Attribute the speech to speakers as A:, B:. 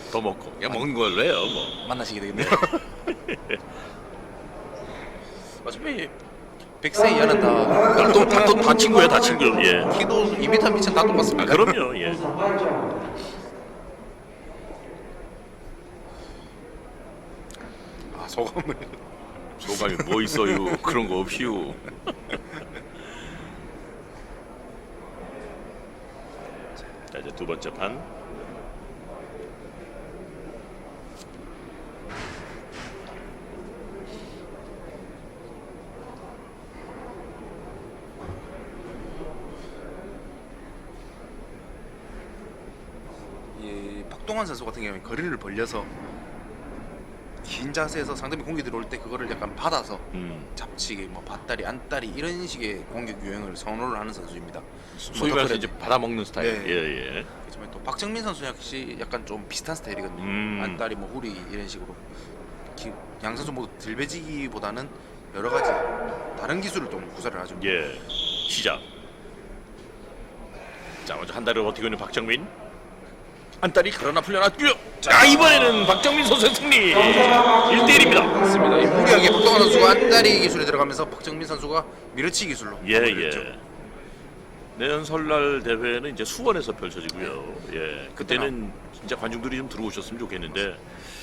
A: 더 먹고 그냥 먹는 걸로 해요. 뭐.
B: 만나시게 되겠네요. 어차피 100세 이하는
A: 다 친구야, 다 친구. 예.
B: 키도 2m 미천 다
A: 아,
B: 똑같습니다.
A: 그럼요. 예.
B: 소감을
A: 소감이 뭐 있어요? 그런 거 없이요. 자, 이제 두 번째 판.
B: 이 박동환 선수 같은 경우에 거리를 벌려서 긴 자세에서 상대방 공격이 들어올 때 그거를 약간 받아서 잡치기, 뭐 밭다리, 안다리 이런 식의 공격 유형을 선호를 하는 선수입니다.
A: 소위 말해서 이제 받아먹는 스타일.
B: 네.
A: 예, 예.
B: 그렇지만 또 박정민 선수 역시 약간 좀 비슷한 스타일이거든요. 안다리, 뭐 후리 이런 식으로 양 선수 모두 들배지기보다는 여러 가지 다른 기술을 좀 구사를 하죠.
A: 예. 시작. 자, 먼저 한 달을 버티고 있는 박정민. 안달이 그러나 풀려났고요. 자, 이번에는 박정민 선수의 승리. 1대1입니다.
B: 맞습니다. 이 무리하게 박동환 선수가 안다리 기술에 들어가면서 박정민 선수가 밀어치기 기술로
A: 예,
B: 마무리했죠.
A: 예. 내년 설날 대회는 이제 수원에서 펼쳐지고요. 예. 그때는 진짜 관중들이 좀 들어오셨으면 좋겠는데